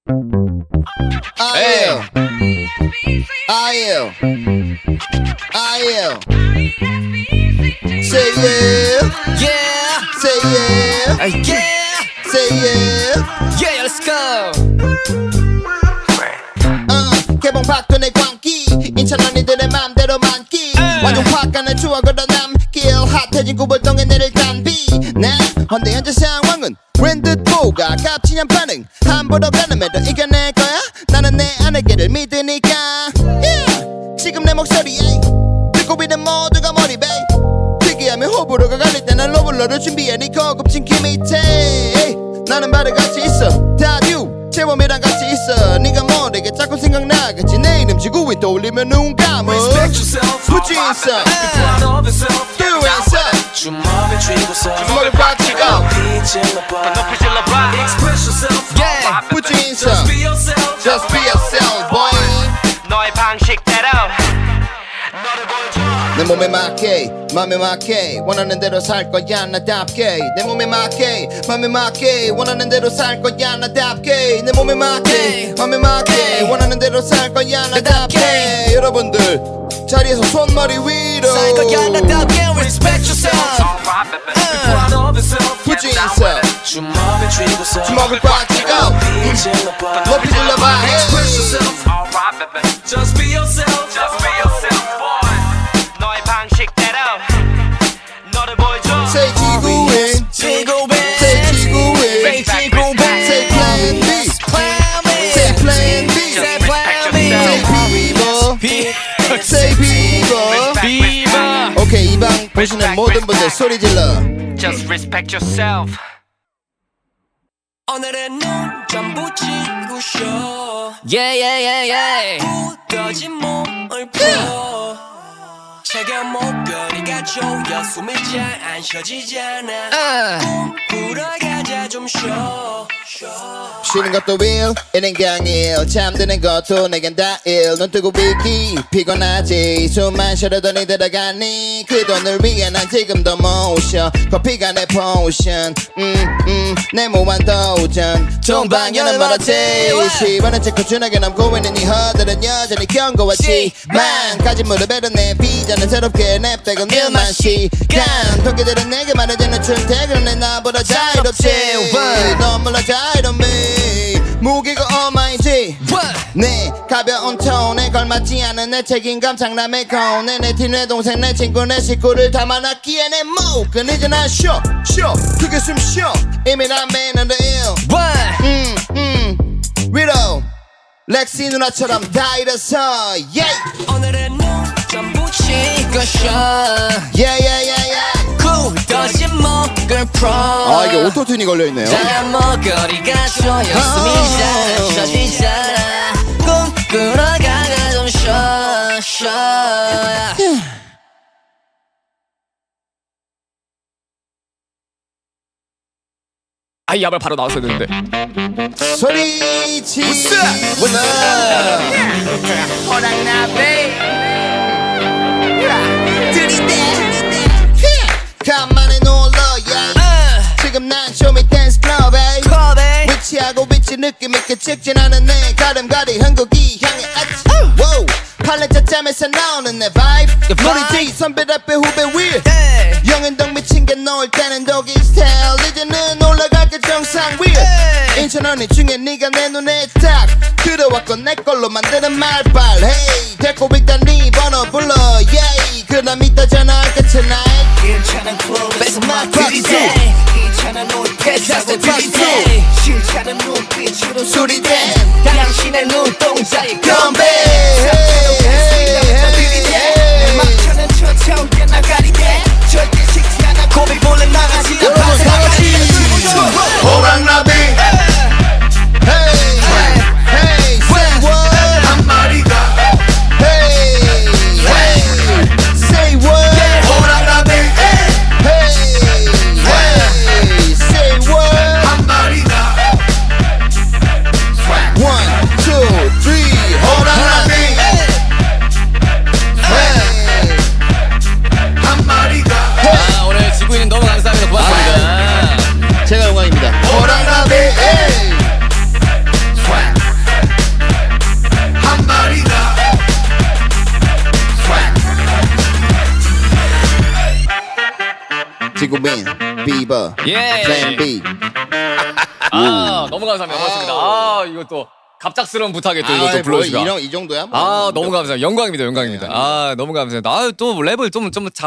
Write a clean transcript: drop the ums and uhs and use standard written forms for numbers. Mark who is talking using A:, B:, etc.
A: Say yeah,
B: Yeah,
A: say yeah,
B: yeah,
A: say yeah.
B: yeah, let's go.
A: 개봉 박돈의 광기 인천 언니들의 맘대로 만기 완전 확 가는 추억으로 남길 핫해진 구불동에 내릴 단비 나 헌데 현재 상황은 웬듯 뭐가 값지냐 반응 함부로 가늠해도 이겨낼 거야 나는 내 아내끼를 믿으니까 yeah. 지금 내 목소리에 듣고 있는 모두가 몰입해 특이하면 호불호가 갈릴 때 난 러블러를 준비해 네 고급진 키 밑에 나는 바로 같이 있어 다듀 재범이랑 같이 있어 네가 모르게 자꾸 생각나겠지 내 이름 지구인 떠올리면 눈 감어 Put you inside Do it inside
C: 주먹을 쥐고서
A: 주먹을 꽉 쥐고
C: 높이 질러봐 Express yourself
B: Yeah,
A: Put you inside
C: Just be yourself
A: Just be yourself boy
C: 너의 방식대로 너를 보여줘
A: 내 몸에 맞게 맘에 맞게 원하는 대로 살 거야 나답게 내 몸에 맞게 맘에 맞게 원하는 대로 살 거야 나답게 내 몸에 맞게 맘에 맞게 원하는 대로 살 거야 나답게 여러분들 자리에서 손머리 위로
B: 살 거야 나답게 respect yourself.
C: Proud of yourself
A: Put you inside
C: 주먹을 쥐고서
A: 주먹을 꽉 쥐고
C: 높이 질러봐
A: 높이 질러봐
C: Express yourself Just be yourself Just be yourself boy 너의 방식대로 너를 보여줘
A: Say 지구인
B: 지구인,
A: Say 지구인
B: Say 지구인,
A: Say plan B
B: Plan B,
A: Say plan B
B: Say Plan B,
A: Say people Say people
B: Viva.
A: 오케이 이 방 보시는 모든 분들 소리 질러
C: Just respect yourself
D: 오늘은 눈 좀 붙이고 쉬어
B: Yeah, yeah, yeah, yeah.
D: 굳어진 몸을 풀어 차가운 목걸이가 조여 숨이 잘 안 쉬어지잖아 꿈꾸러 가자 좀 쉬어
A: 쉬는 것도 일 이는 강일 잠드는 것도 내겐 다일눈 뜨고 있기 피곤하지 숨만 쉬어도 니 들어가니 그 돈을 위해 난 지금도 못 쉬어 커피가 내 포션 내 무한 도전 동방연은 멀었지 10원은 찍고 준하게 남고 있는 이 허들은 여전히 견고하지만 가진 무릎에도 내 비전은 새롭게 냅대고 일만 시간 토끼들은 내게 말해주는 출퇴근은 내 나보다 자유롭지 너무나 자유로움이 무게가 얼마인지 내 가벼운 톤에 걸맞지 않은 내 책임감 장남의 거운에 내 팀 내 동생 내 친구 내 식구를 담아놨기에 내 목은 이제 난 쉬어 크게 숨 쉬어 이미 난 매너를 위로 렉시 누나처럼 다 잃어서 yeah
D: 오늘은 눈 좀 붙이고
B: 쉬어
A: yeah yeah yeah yeah
B: 굳어진 목을 풀어
A: 아 이게 오토튠이 걸려있네요
B: 작은 목걸이가 조여 숨이 잘 안 쉬어지잖아 꿈꾸러 가가 좀 쉬어 아, 이 야발 바로 나왔어야 되는데.
A: 소리 질러 간만에 놀러 yeah. 지금 난 쇼미 댄스 클럽에 위치하고 위치 느낌 있게 직진하는 내 걸음걸이 한국이 향해 아치 wow. 팔레자 짬에서 나오는 내 vibe 우리 뒤 선배 앞에 후배 위 영앤동 미친 게 놓을 때는 독일 스타일 이제는 올라갈게 정상 위에 인천 언니 중에 네가 내 눈에 딱 들어왔고 내 걸로 만드는 말빨 hey 데리고 있다 네 번호 불러 yeah 그럼 이따 전화할게 tonight
D: 괜찮은 클럽에서 막 들이대 괜찮은 옷에서 들이대 싫다는 눈빛으로
A: 소리대
D: 당신의 눈동자에
A: 건배
D: 내 막차는 쫓아올게 나가리대 절대 식지 않아 고백 볼래 나가지
A: 여러분 다 같이 호랑나비 Hey Hey Say what
C: 한 마리가
A: Hey Hey Say what
C: 호랑나비
A: Hey Hey Say what
C: 한 마리가
A: 1, 2, 3 호랑나비 외국인 비버
B: 예.
A: 플랜 B.
B: 아 너무 감사합니다. 고맙습니다. 아 이거 또 갑작스러운 부탁에 또 이거 또
A: 뭐
B: 불러주가.
A: 이 정도야? 뭐.
B: 아 너무 감사합니다. 영광입니다. 영광입니다. 아 너무 감사합니다. 아또 랩을 좀